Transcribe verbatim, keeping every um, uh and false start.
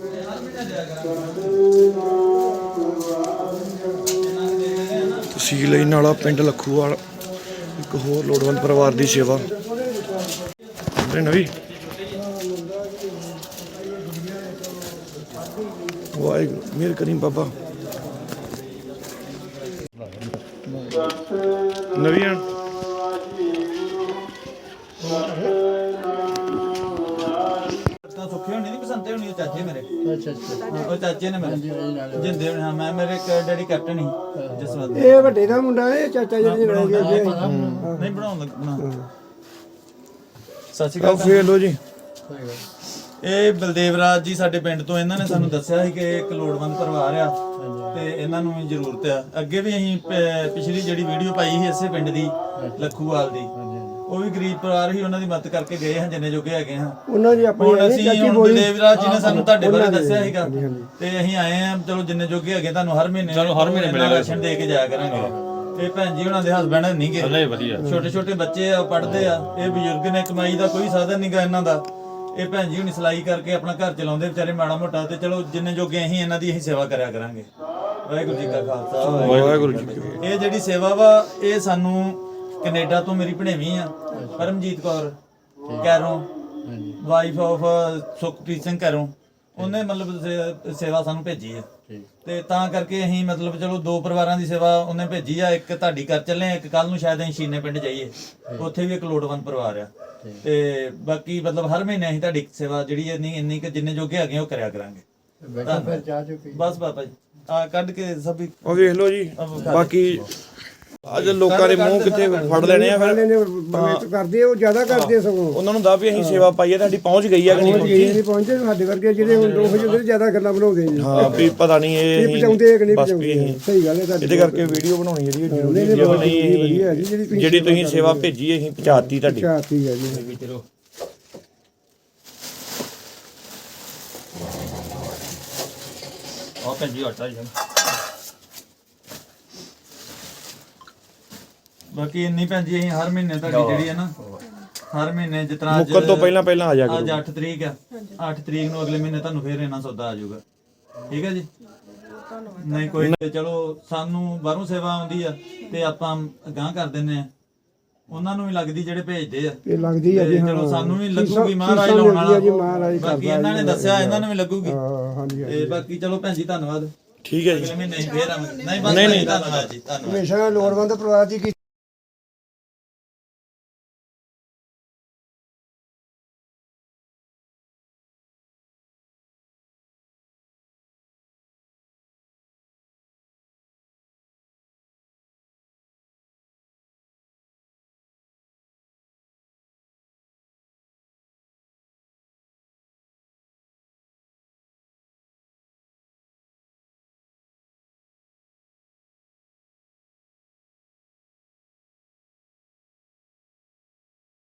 ਤਹਿਸੀਲ ਇਨਾਲਾ ਪਿੰਡ ਲੱਖੂਵਾਲ ਇੱਕ ਹੋਰ ਲੋੜਵੰਦ ਪਰਿਵਾਰ ਦੀ ਸੇਵਾ ਨਵੀਂ ਵਾਹਿਗੁਰੂ ਮਿਹਰ ਕਰੀਮ ਬਾਬਾ ਨਵੀਂ ਸੁੱਖੇ ਹੋਣੀ ਨਹੀਂ ਬਸੰਤੇ ਹੋਣੀ ਉਹ ਚਾਚੇ ਮੇਰੇ। ਅੱਛਾ ਅੱਛਾ ਉਹ ਚਾਚੇ ਨੇ ਮੇਰੇ ਜਿੰਦੇ ਹੋਣੇ। ਹਾਂ ਮੈਂ ਮੇਰੇ ਇੱਕ ਡੈਡੀ ਕੈਪਟਨ ਹੀ ਜਸਵੰਤ। ਇਹ ਵੱਡੇ ਦਾ ਮੁੰਡਾ ਇਹ ਚਾਚਾ ਜਿਹੜੇ ਨਾਲ ਗਿਆ ਨਹੀਂ ਬਣਾਉਣ ਲੱਗਣਾ। ਸਤਿ ਸ਼੍ਰੀ ਅਕਾਲ ਫੇਰ ਲੋ ਜੀ। ਇਹ ਬਲਦੇਵ ਰਾਜ ਜੀ ਸਾਡੇ ਪਿੰਡ ਤੋਂ ਇਹਨਾਂ ਨੇ ਸਾਨੂੰ ਦੱਸਿਆ ਸੀ ਕਿ ਇੱਕ ਲੋੜਵੰਦ ਪਰਿਵਾਰ ਆ ਤੇ ਇਹਨਾਂ ਨੂੰ ਵੀ ਜ਼ਰੂਰਤ ਆ। ਅੱਗੇ ਵੀ ਅਸੀਂ ਪਿਛਲੀ ਜਿਹੜੀ ਵੀਡੀਓ ਪਾਈ ਸੀ ਇਸੇ ਪਿੰਡ ਦੀ ਲੱਖੂਵਾਲ ਦੀ, ਉਹ ਵੀ ਗਰੀਬ ਪਰਿਵਾਰ ਹੀ, ਉਹਨਾਂ ਦੀ ਮਦਦ ਕਰਕੇ ਗਏ ਹਾਂ ਜਿੰਨੇ ਜੋਗੇ ਹੈਗੇ ਹਾਂ। ਉਹਨਾਂ ਦੀ ਆਪਣੀ ਹੁਣ ਅਸੀਂ ਹੁਣ ਬਲਦੇਵ ਰਾਜ ਜੀ ਨੇ ਸਾਨੂੰ ਤੁਹਾਡੇ ਬਾਰੇ ਦੱਸਿਆ ਸੀਗਾ ਤੇ ਅਸੀਂ ਆਏ ਆ। ਚਲੋ ਜਿੰਨੇ ਜੋਗੇ ਹੈਗੇ ਤੁਹਾਨੂੰ ਹਰ ਮਹੀਨੇ ਚਲੋ ਹਰ ਮਹੀਨੇ ਮਿਲੇਗਾ ਰਾਸ਼ਨ ਦੇ ਕੇ ਜਾਇਆ ਕਰਾਂਗੇ। ਇਹ ਭੈਣ ਜੀ ਉਹਨਾਂ ਦੇ ਹਸਬੈਂਡ ਨਹੀਂ ਗਏ, ਛੋਟੇ ਛੋਟੇ ਬੱਚੇ ਆ, ਪੜ੍ਹਦੇ ਆ। ਇਹ ਬਜ਼ੁਰਗ ਨੇ, ਕਮਾਈ ਦਾ ਕੋਈ ਸਾਧਨ ਨਹੀਂਗਾ ਇਹਨਾਂ ਦਾ। ਇਹ ਭੈਣ ਜੀ ਹੁਣੀ ਸਿਲਾਈ ਕਰਕੇ ਆਪਣਾ ਘਰ ਚਲਾਉਂਦੇ ਵਿਚਾਰੇ ਮਾੜਾ ਮੋਟਾ। ਤੇ ਚਲੋ ਜਿੰਨੇ ਜੋਗੇ ਅਸੀਂ ਇਹਨਾਂ ਦੀ ਅਸੀਂ ਸੇਵਾ ਕਰਿਆ ਕਰਾਂਗੇ। ਵਾਹਿਗੁਰੂ ਜੀ ਕਾ ਖਾਲਸਾ ਵਾਹਿਗੁਰੂ ਜੀ ਕੀ ਫਤਿਹ। ਇਹ ਜਿਹੜੀ ਸੇਵਾ ਵਾ ਇਹ ਸਾਨੂੰ ਕੈਨੇਡਾ ਤੋਂ ਮੇਰੀ ਭਣੇਵੀਂ ਆ ਪਰਮਜੀਤ ਕੌਰ ਕੈਰੋਂ, ਵਾਈਫ ਆਫ ਸੁਖਪ੍ਰੀਤ ਸਿੰਘ ਕੈਰੋਂ, ਉਹਨੇ ਮਤਲਬ ਸੇਵਾ ਸਾਨੂੰ ਭੇਜੀ ਹੈ। ਤੇ ਤਾਂ ਕਰਕੇ ਅਸੀਂ ਮਤਲਬ ਚਲੋ ਦੋ ਪਰਿਵਾਰਾਂ ਦੀ ਸੇਵਾ ਉਹਨੇ ਭੇਜੀ ਆ। ਇੱਕ ਤੁਹਾਡੀ ਕਰ ਚੱਲੇ ਆ, ਇੱਕ ਕੱਲ ਨੂੰ ਸ਼ਾਇਦ ਅਸੀਂ ਸ਼ੀਨੇ ਪਿੰਡ ਜਾਈਏ, ਉੱਥੇ ਵੀ ਇੱਕ ਲੋੜਵੰਦ ਪਰਿਵਾਰ ਆ। ਤੇ ਬਾਕੀ ਮਤਲਬ ਹਰ ਮਹੀਨੇ ਅਸੀਂ ਤੁਹਾਡੀ ਸੇਵਾ ਜਿਹੜੀ ਇੰਨੀ ਇੰਨੀ ਕਿ ਜਿੰਨੇ ਜੋਗੇ ਹੈਗੇ ਉਹ ਕਰਿਆ ਕਰਾਂਗੇ। ਬਸ ਬਾਬਾ ਜੀ ਆ ਕੱਢ ਕੇ ਸਭ ਉਹ ਵੇਖ ਲਓ ਜੀ। ਬਾਕੀ ਅੱਜ ਲੋਕਾਂ ਦੇ ਮੂੰਹ ਕਿੱਥੇ ਫੜ ਲੈਣੇ ਆ ਫਿਰ ਕਰਦੇ ਉਹ ਜ਼ਿਆਦਾ ਕਰਦੇ ਸਗੋਂ ਉਹਨਾਂ ਨੂੰ ਦਾ ਵੀ ਅਸੀਂ ਸੇਵਾ ਪਾਈਏ, ਤੁਹਾਡੀ ਪਹੁੰਚ ਗਈ ਆ ਕਿ ਨਹੀਂ ਪਹੁੰਚੀ ਨਹੀਂ ਪਹੁੰਚੇ ਸਾਡੇ ਵਰਗੇ ਜਿਹੜੇ ਹੁਣ ਦੋ ਜਿਹੜੇ ਜ਼ਿਆਦਾ ਗੱਲਾਂ ਬਣਾਉਂਦੇ ਨੇ। ਹਾਂ ਵੀ ਪਤਾ ਨਹੀਂ ਇਹ ਪਹੁੰਚਾਉਂਦੇ ਕਿ ਨਹੀਂ ਬਸ ਵੀ ਪਹੁੰਚਾਉਂਦੇ। ਸਹੀ ਗੱਲ ਹੈ ਤੁਹਾਡੀ। ਇਹਦੇ ਕਰਕੇ ਵੀਡੀਓ ਬਣਾਉਣੀ ਜਿਹੜੀ ਜ਼ਰੂਰੀ ਹੈ। ਨਹੀਂ ਜਿਹੜੀ ਤੁਸੀਂ ਸੇਵਾ ਭੇਜੀ ਅਸੀਂ ਪਹੁੰਚਾਤੀ ਤੁਹਾਡੀ। ਪਹੁੰਚਾਤੀ ਹੈ ਜੀ। ਚਲੋ ਆ ਭੈਣ ਜੀ ਆਟਾ ਜੀ। ਬਾਕੀ ਇੰਨੀ ਭੈਣ ਜੀ ਅਸੀਂ ਹਰ ਮਹੀਨੇ ਤੁਹਾਡੀ ਜਿਹੜੀ ਹੈ ਨਾ ਹਰ ਮਹੀਨੇ ਜਿਤਨਾ ਮੁੱਕਣ ਤੋਂ ਪਹਿਲਾਂ ਪਹਿਲਾਂ ਆ ਜਾ ਕਰੋ। ਅੱਜ ਅੱਠ ਤਰੀਕ ਆ, ਅੱਠ ਤਰੀਕ ਨੂੰ ਅਗਲੇ ਮਹੀਨੇ ਤੁਹਾਨੂੰ ਫੇਰ ਇਹਨਾਂ ਸੌਦਾ ਆ ਜਾਊਗਾ। ਠੀਕ ਹੈ ਜੀ। ਨਹੀਂ ਕੋਈ ਨਹੀਂ। ਚਲੋ ਸਾਨੂੰ ਬਾਹਰੋਂ ਸੇਵਾ ਆਉਂਦੀ ਆ ਤੇ ਆਪਾਂ ਅਗਾਂਹ ਕਰ ਦਿੰਨੇ ਆ। ਉਹਨਾਂ ਨੂੰ ਵੀ ਲੱਗਦੀ ਜਿਹੜੇ ਭੇਜਦੇ ਆ ਇਹ ਲੱਗਦੀ ਆ ਜੀ। ਚਲੋ ਸਾਨੂੰ ਵੀ ਲੱਗੂਗੀ ਮਹਾਰਾਜ ਲਾਉਣ ਵਾਲਾ। ਬਾਕੀ ਇਹਨਾਂ ਨੇ ਦੱਸਿਆ ਇਹਨਾਂ ਨੂੰ ਵੀ ਲੱਗੂਗੀ। ਤੇ ਬਾਕੀ ਚਲੋ ਭੈਣ ਜੀ ਧੰਨਵਾਦ। ਠੀਕ ਹੈ ਜੀ। ਅਗਲੇ ਮਹੀਨੇ ਫੇਰ ਆਵਾਂਗੇ। ਨਹੀਂ ਬਸ ਨਹੀਂ ਧੰਨਵਾਦ ਜੀ। ਧੰਨਵਾਦ। ਹਮੇਸ਼ਾ ਲੋੜਵੰਦ ਪਰਿਵਾਰ ਦੀ